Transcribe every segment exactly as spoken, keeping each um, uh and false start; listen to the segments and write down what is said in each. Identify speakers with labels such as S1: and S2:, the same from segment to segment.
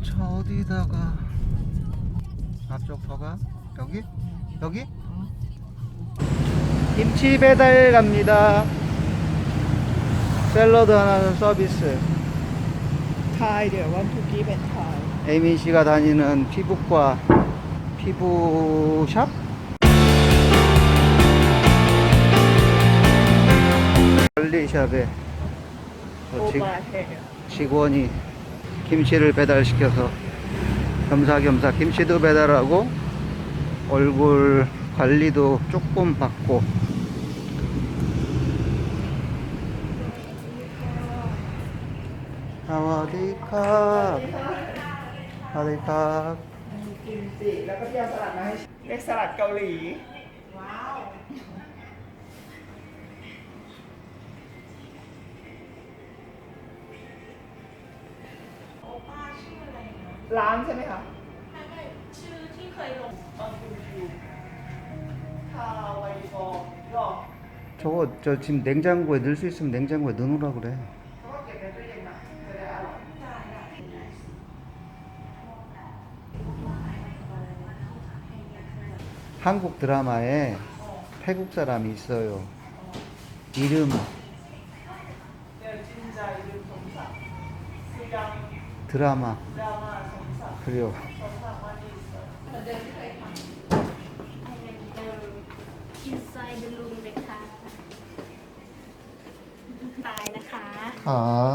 S1: 차 어디다가 앞쪽 터가 여기? 여기? 김치 배달 갑니다. 샐러드 하나는 서비스.
S2: Thai they want to give and Thai.
S1: 에이민 씨가 다니는 피부과 피부샵? 관리샵에 저 직-
S2: Over here.
S1: 직원이 김치를 배달시켜서 겸사겸사 김치도 배달하고 얼굴 관리도 조금 받고. 사와디캅 사와디캅
S2: กิมจิแล้วก็พี่เอาสลัดมาให้เรียกสลัดเกาหลี ว้าว ร้านใช่ไหมคะ
S3: ชื่อที่เคยลง
S2: ออนยูทูบคาไวฟอร์หรอ
S1: 저거 저 지금 냉장고에 넣을 수 있으면 냉장고에 넣어놓으라 그래.
S2: เขาก็เก็บในตู้เย็นนะจะได้อร่อย
S1: 한국 드라마에 태국 사람이 있어요. 이름
S2: เดี๋ยวจินใจลืมสมศักดิ์คือดัง
S1: 드라마
S2: ดราม่าสมศักดิ์
S1: 그래요.
S2: สมศักดิ์มาดีสุด
S3: อินไซด์เดลูมเลยค่ะตายนะคะ
S1: 아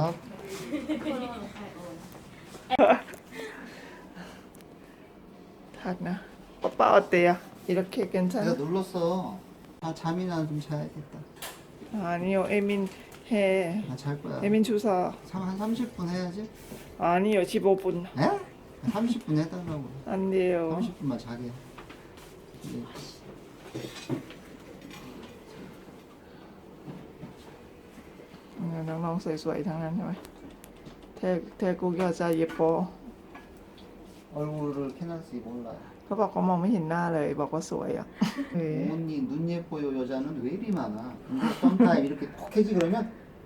S2: ทักนะป๊าป้าเอาเตีย이렇게 괜찮아?
S1: 내가 눌렀어. 아 잠이나 좀 자야겠다.
S2: 아니요 에민 해
S1: 아 잘 거야.
S2: 에민 주사
S1: 삼- 한 삼십 분 해야지.
S2: 아니요 십오 분
S1: 에? 삼십 분 해달라고.
S2: 안 돼요
S1: 삼십 분만 자게. 네.
S2: 네, น้องๆสวยๆทั้งนั้นใช่ไหมเทเทกุกยาจาเยโป
S1: 얼굴을 캐나스 몰라.
S2: เขาบอกเขามองไม่เห็นหน้าเลยบอกว่าสวยอ่ะเฮ้ย
S1: 언니 눈 예뻐요 여자는 왜 이리 많아. 근데 썸타임 이렇게 톡해지 그러면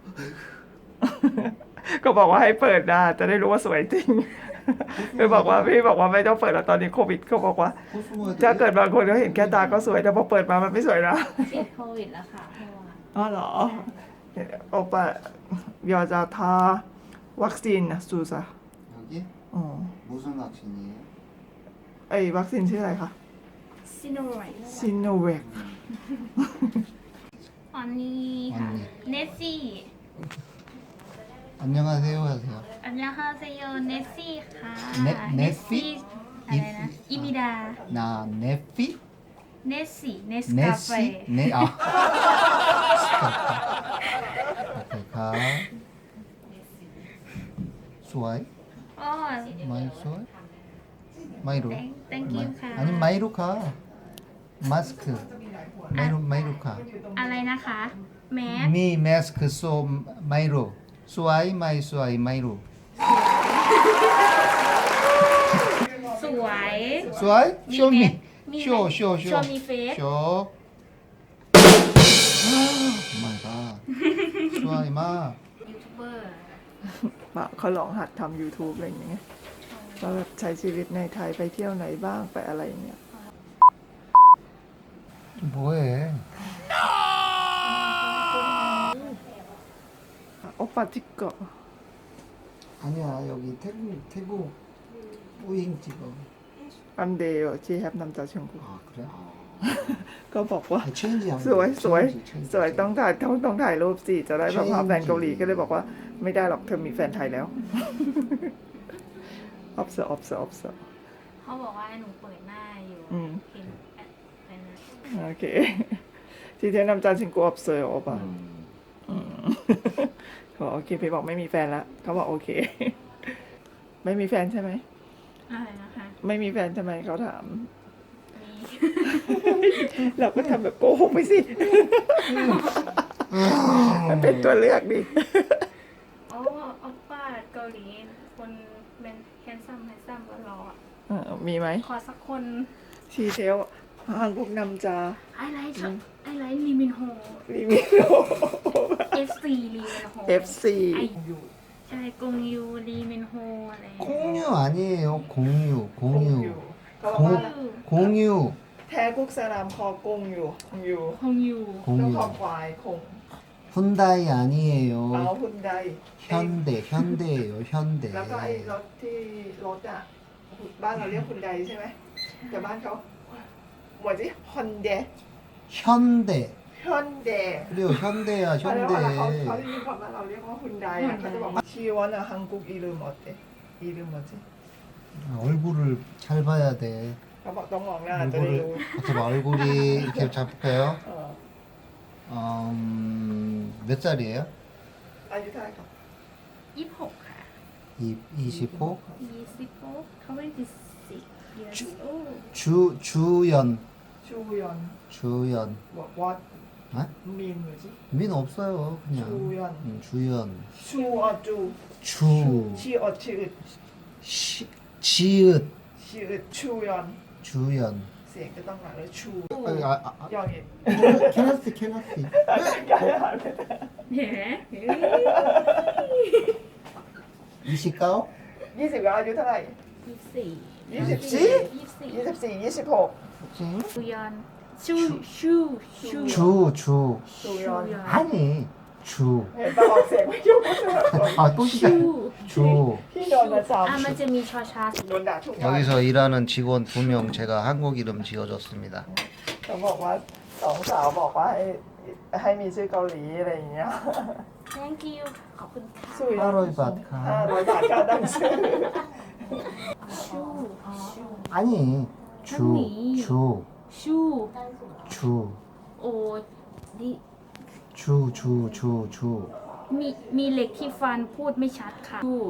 S2: ก็บอกว่าให้เปิดหน้าจะได้รู้ว่าสวยจริงคือบอกว่าพี่บอกว่าไม่ต้องเปิดแล้วตอนนี้โควิดเขาบอกว่า
S1: 코스모에
S2: ถ้าเกิดบางคนเขาเห็นแค่ตาก็สวยแต่พอเปิดมามันไม่สวยนะ
S3: ติดโควิดแล้วค่ะเมื่อวาน
S2: อ๋อเหรอโอปะยาจะทาวัคซีนนะซูซะ
S1: 여기
S2: อ๋อ
S1: 무슨 확신이에요?
S2: ไอ้วัคซีนชื่ออะไรคะ
S3: ซิโนไวท์
S2: ซิโนแวค
S3: อันนี้ค่ะ
S1: 언니
S3: เนสซี่
S1: 안녕하세요 하세요.
S3: อันยาฮาเซโยเนสซี่ค่ะ
S1: เนเนสซี่
S3: อะไรนะอิมิดา
S1: 나 네피
S3: เนสซี่เนสกาแฟ
S1: 네시 네아 오케이 가 수아이
S3: อ๋อ
S1: 마이 수아이 마이로
S3: Thank- thank you
S1: 마이-
S3: ค่ะ
S1: 아니 마이로 가 마스크 마이로 마이로 가
S3: อะไรนะคะแมส
S1: 미 마스크 소 마이로 수아이 마이 수아이 마이로
S3: สวย
S1: 수아이 쇼미
S3: 미
S1: 쇼 쇼 쇼
S3: show me face
S1: 쇼 마이 갓 수아이 마
S3: ยูทูบเบอร์
S2: มาเขาลองหัดทำ YouTube อะไรอย่างเงี้ยว่าแบบใช้ชีวิตในไทยไปเที่ยวไหนบ้างไปอะไรอย่างเงี้ย
S1: 뭐해
S2: โอปาติโกะ
S1: 아니야 여기 태국 태국 뿌잉 찍어
S2: อันเดียวชีแฮปนำจากเชียงกู
S1: 아 그래?
S2: ก็บอกว่า
S1: 아, 체인지 하면
S2: สวย
S1: 돼.
S2: สวย
S1: 체인지, 체인지,
S2: สวยต้องถ่ายต้องต้องถ่ายรูปสิจะได้แบบว่า
S1: ใช่
S2: แฟนเกาหลีก็เลยบอกว่าไม่ได้หรอกเธอมีแฟนไทยแล้ว ออฟเซอร์ออฟเซอร์ออฟเซอร์
S3: เขาบอกว่าหนูเปิดหน้าอยู่
S2: อืม
S3: เห็นแอดเป็นนะ
S2: โอเคทีเทนำจานชิงกูออฟเซอร์ออปะ
S1: 음.
S2: เขาบอกโอเคพี่บอกไม่มีแฟนแล้วเขาบอกโอเค ไม่มีแฟนใช่ไหม
S3: อะไรนะคะ
S2: ไม่มีแฟนใช่ไหมเขาถาม
S3: มี
S2: เราก็ทำแบบโกหกไปสิ มันเป็นตัวเลือกดิ
S3: โอ้ออปป้าเกาหลีคนเป็นแฮนซัมแฮนซัมก็รออะ
S2: เออมีไหม
S3: ขอสักคน
S2: ชีเทลฮังกุกนำจา
S3: ไอไลท์ชอบไอไลท์ลีมินโฮ
S2: ลีมิโน
S3: เอฟซีลีมินโฮ
S2: เอฟซี
S3: ไอใช่กงยูรีเมนโฮอะไร
S1: 콩유 아니에요. 공유,
S2: กงยู
S1: 공유.
S2: เขาบอกว่า
S1: 공유,
S2: แท้กุกสลามคอกงยูคงยู
S3: คงยู
S2: ต้องคอ
S1: 공유.
S2: ควายคง
S1: 훈다이
S2: เอา
S1: 아니에요.
S2: หุ่นใด
S1: 현대, 현대예요. 현대.
S2: แล้วก็ไอ้รถที่รถอ่ะบ้านเราเรียกหุ่นใดใช่ไหมแต่บ้านเขาหมดสิฮอนเด
S1: 현대.
S2: ฮอนเด
S1: 그래요. 현대야,
S2: แล้วเวลาเขาเขา
S1: 현대.
S2: ได้ยินคำว่าเราเรียกว่าหุ่นใดอ่ะเขาจะบอกว่าชีวันอะฮังกุกอีลืมหมดเตอีลืมหมดสิ
S1: 얼굴을 잘 봐야 돼.
S2: เขาบอกต้องมองหน้าจะได้รู้
S1: 얼굴을 어떻게 얼굴이 이렇게 잡을까요?
S2: เออ
S1: 음, 몇 살이에요?
S2: อายุเท่าไหร่ครับ
S3: ยี่สิบหกค่ะ
S1: 이, 이십오?
S3: ยี่สิบหกเขาไม่ได้สิบ years old
S1: 주, 주연.
S2: ชูยอน
S1: 주연.
S2: บอกว่า
S1: 아?
S2: มีนหรือสิ
S1: 민 없어요. 그냥.
S2: 주연.
S1: 응, 주연.
S2: ชูออจู
S1: 주.
S2: ชีออชื่อ
S1: 시, 지읒.
S2: ชื่อชูยอน
S1: 주연.
S2: เสียงจะต้องมาเลยชู
S1: 아, 아, 아,
S2: ยองอีก
S1: 캐나스, 캐나스.
S3: เห็นไหม
S1: 이십구?
S2: ยี่สิบอายุเท่าไหร่
S3: ยี่สิบสี่
S2: ยี่สิบ
S1: สี่
S2: สี่
S3: ยี่สิบสี่
S2: ยี่สิบสี่ยี่สิบหก
S3: ชูยอนชูชูชู
S1: 주, 주.
S2: ชูยอน
S1: 아니, 주.
S2: เห็นปะออกเสียงไม่ยุ่งก็คือคน
S1: 아, 또
S3: ชู
S1: 시작. 주.
S2: ที่โดนมาซ้
S3: อ่ะมันจะมีชอชา
S2: ำโดนด่าทุกวัน
S1: 여기서 일하는 직원 두 명 제가 한국 이름 지어줬습니다.
S2: เขาบอกว่าสองสาวบอกว่าให้ให้มีชื่อเกาหลีอะไรอย่างเงี้ย
S3: thank you ขอบคุณค่ะ
S2: สู้ยอน
S1: ห้าร้อยบาทครับ
S2: ห้าร้อยบาทค่าตั้งชื่อ
S3: ชูอ๋อ
S1: 아니, 주,
S3: 아니.
S1: 주,
S3: ชู
S1: 주,
S3: โอ้ดิ
S1: 주, 주, 주, 주.
S3: มีมีเหล็กที่ฟันพูดไม่ชัดค่ะชู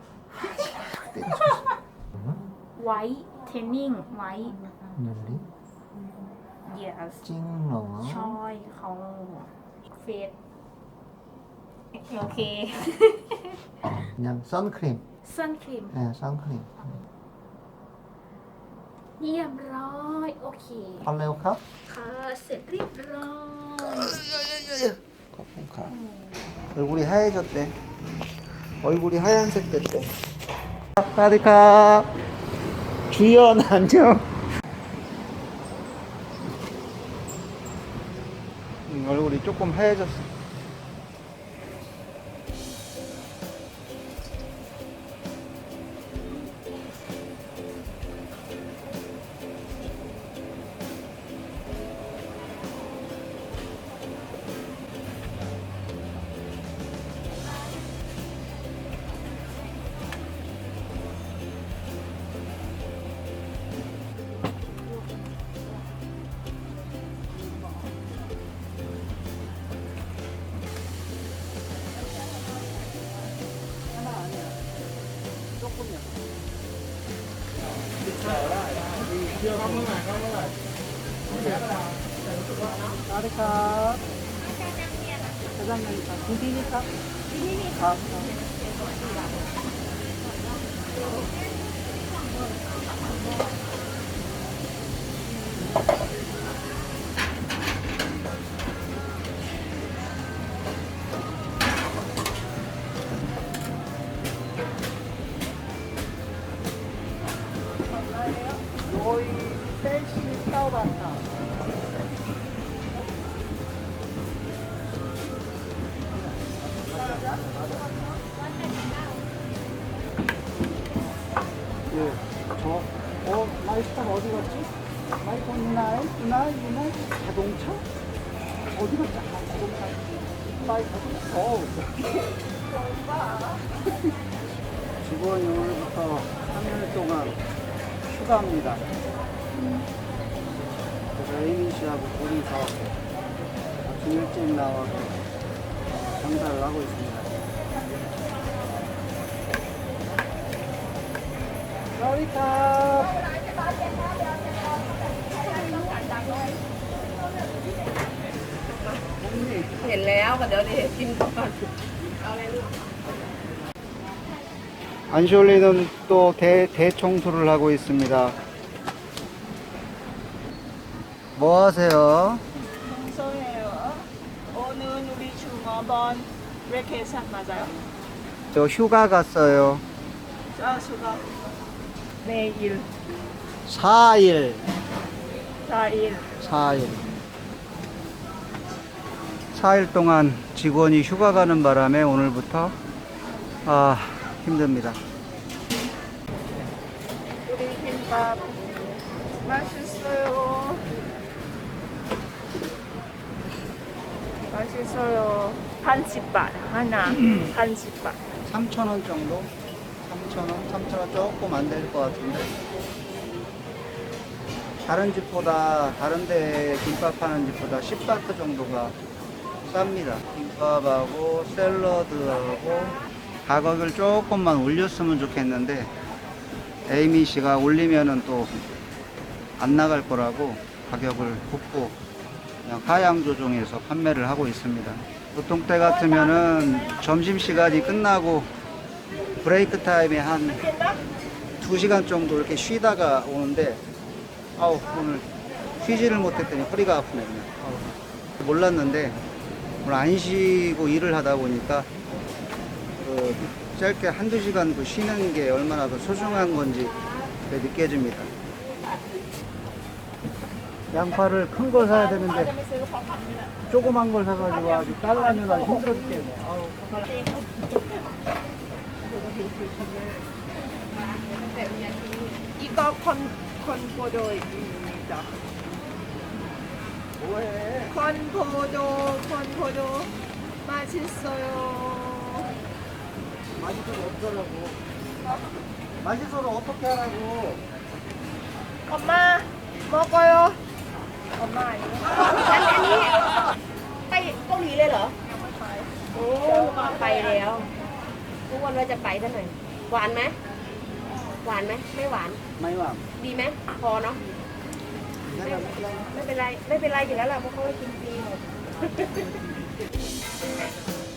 S3: ไว้เทนนิ่งไว้
S1: 룰리,
S3: yes
S1: 찡러,
S3: ชอยของเฟสโอเค
S1: 그냥 선크림.
S3: ซันครีม
S1: 네, 선크림.
S3: เยี่ยมร้อยโอเค
S1: 팔레오 컵?
S3: ค่ะเสร็จเรียบร้อย
S1: 거품카. 얼굴이 하얘졌대. 얼굴이 하얀색 됐대. 사디카. 주연 안녕. 음, 얼굴이 조금 하얘졌어. 사디카. 사장님, 디디니까? 디디니까. Rồi sẽ sao bạn nào? 예, 저, 어, 마이스터 어디 갔지? 마이스터 이날, 이날, 이날 자동차? 어디 갔지? 아, 자동차. 마이스터, 어, 직원이 오늘부터 삼 일 동안 휴가입니다. 그래서 에이민 씨하고 둘이서 아침 일찍 나와서 장사를 하고 있습니다. 러리카.
S2: เห็นแล้วก็เดี๋ยวดิกินก่อน
S1: 안쇼리는 또 대, 대청소를 하고 있습니다. 뭐 하세요?
S2: 청소해요. 오늘 우리 중어번 베케이션 맞아요?
S1: 저 휴가 갔어요.
S2: 자수가 내일
S1: 사 일.
S2: 사 일
S1: 사 일. 사 일 동안 직원이 휴가 가는 바람에 오늘부터 아, 힘듭니다.
S2: 우리 김밥 맛있어요. 맛있어요. 한식밥 하나, 한식밥.
S1: 삼천 원 정도? 삼천 원? 삼천 원 조금 안 될 것 같은데. 다른 집보다, 다른 데 김밥 하는 집보다 십 바트 정도가 쌉니다. 김밥하고 샐러드하고 가격을 조금만 올렸으면 좋겠는데 에이미 씨가 올리면은 또 안 나갈 거라고 가격을 굽고 그냥 하향 조정해서 판매를 하고 있습니다. 보통 때 같으면은 점심시간이 끝나고 브레이크 타임에 한 두 시간 정도 이렇게 쉬다가 오는데 아우 오늘 쉬지를 못했더니 허리가 아프네 그냥. 아우, 몰랐는데 오늘 안 쉬고 일을 하다 보니까 그 짧게 한두 시간 그 쉬는 게 얼마나 그 소중한 건지 느껴집니다. 양파를 큰 걸 사야 되는데 조그만 걸 사가지고 아주 잘라면 아주 힘들어 죽겠네. 아우.
S2: 이거 콘, 콘포도입니다.
S1: 뭐해?
S2: 콘포도, 콘포도. 맛있어요.
S1: 맛있어서 어쩌라고. 맛있어서 어떻게 하라고.
S2: 엄마, 먹어요. 엄마 아니야.
S4: อันอันนี้ไปเกาหลีเลยเหรอ โอ้ไปแล้วทุกวันว่าจะไปซะหน่อย หวานไหม หวานไหม ไม่หวาน
S1: ไม่ว่า
S4: ดีไหม พอเนาะ
S1: ไม่ว่าไม่เป็นไร
S4: ไม่เป็นไร ไม่เป็นไรอยู่แล้วล่ะเพราะเขาให้กินฟรีหมด